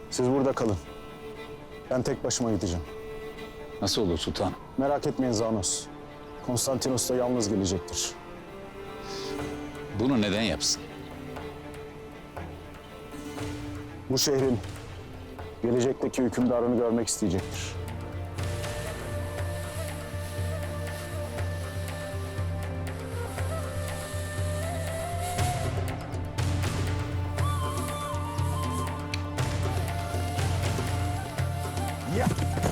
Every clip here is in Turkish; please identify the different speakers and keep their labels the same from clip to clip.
Speaker 1: Siz burada kalın. Ben tek başıma gideceğim.
Speaker 2: Nasıl olur sultanım?
Speaker 1: Merak etmeyin Zanos. Konstantinos da yalnız gelecektir.
Speaker 2: Bunu neden yapsın?
Speaker 1: Bu şehrin gelecekteki hükümdarını görmek isteyecektir. Ya.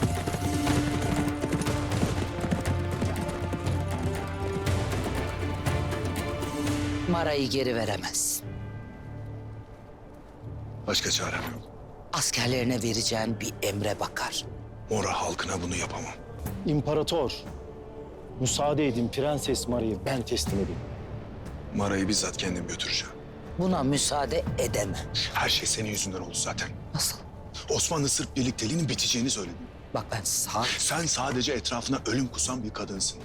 Speaker 3: Mara'yı geri veremez.
Speaker 4: Başka çarem yok.
Speaker 3: Askerlerine vereceğin bir emre bakar.
Speaker 4: Mora halkına bunu yapamam.
Speaker 5: İmparator, müsaade edin Prenses Maria'yı ben teslim edeyim.
Speaker 4: Mara'yı bizzat kendim götüreceğim.
Speaker 3: Buna müsaade edemem.
Speaker 4: Her şey senin yüzünden oldu zaten.
Speaker 3: Nasıl?
Speaker 4: Osmanlı-Sırp birlikteliğinin biteceğini söyledim.
Speaker 3: Bak ben sağ...
Speaker 4: Sen sadece etrafına ölüm kusan bir kadınsın.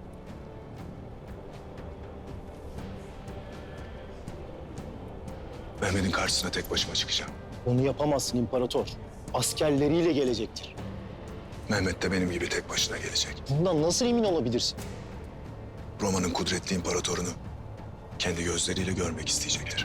Speaker 4: Mehmet'in karşısına tek başıma çıkacağım.
Speaker 5: Onu yapamazsın İmparator. Askerleriyle gelecektir.
Speaker 4: Mehmet de benim gibi tek başına gelecek.
Speaker 5: Bundan nasıl emin olabilirsin?
Speaker 4: Roma'nın kudretli imparatorunu kendi gözleriyle görmek isteyecektir.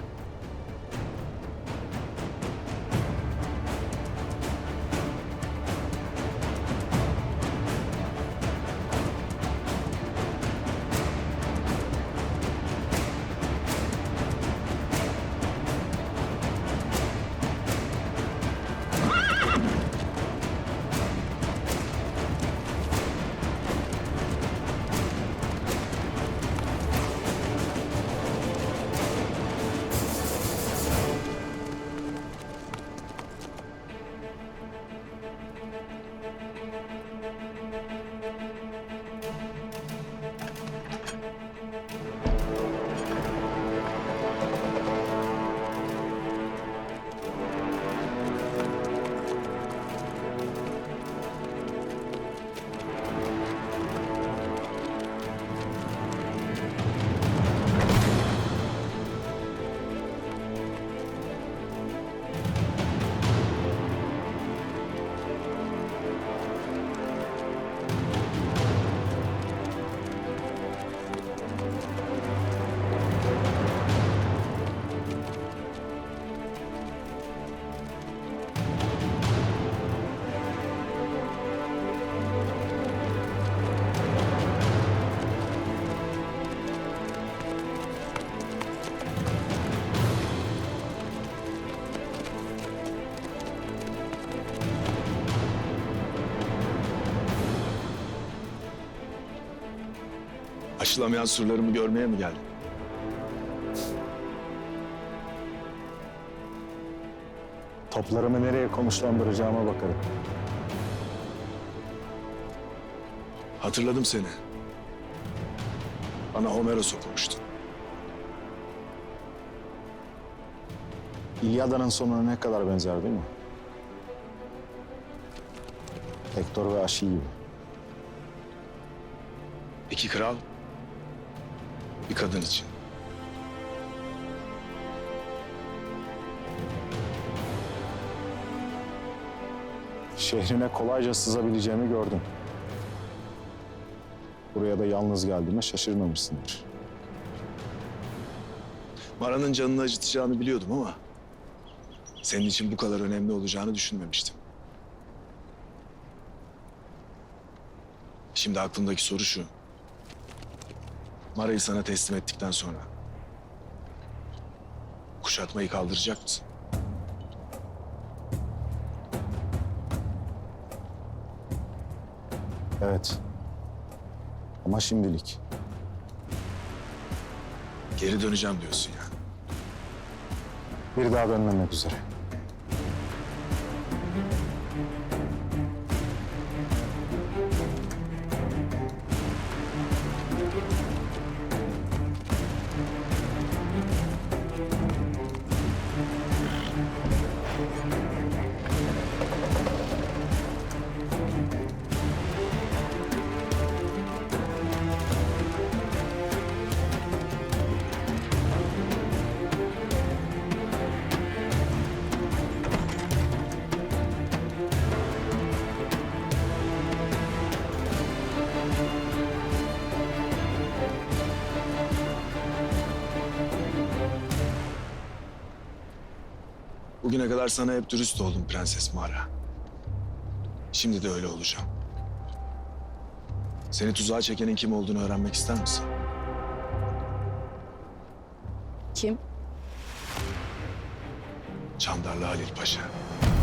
Speaker 4: Aşılamayan surlarımı görmeye mi geldin?
Speaker 1: Toplarımı nereye konuşlandıracağıma bakarım.
Speaker 4: Hatırladım seni. Bana Homeros okumuştun.
Speaker 1: İlyada'nın sonuna ne kadar benzer değil mi? Hektor ve Aşil gibi.
Speaker 4: İki kral, bir kadın için.
Speaker 1: Şehrine kolayca sızabileceğimi gördüm. Buraya da yalnız geldiğime şaşırmamışsındır.
Speaker 4: Mara'nın canını acıtacağını biliyordum ama senin için bu kadar önemli olacağını düşünmemiştim. Şimdi aklımdaki soru şu. Mara'yı sana teslim ettikten sonra kuşatmayı kaldıracak mısın?
Speaker 1: Evet. Ama şimdilik.
Speaker 4: Geri döneceğim diyorsun yani.
Speaker 1: Bir daha dönmemek üzere.
Speaker 4: Bugüne kadar sana hep dürüst oldum Prenses Mara. Şimdi de öyle olacağım. Seni tuzağa çekenin kim olduğunu öğrenmek ister misin?
Speaker 6: Kim?
Speaker 4: Çandarlı Halil Paşa.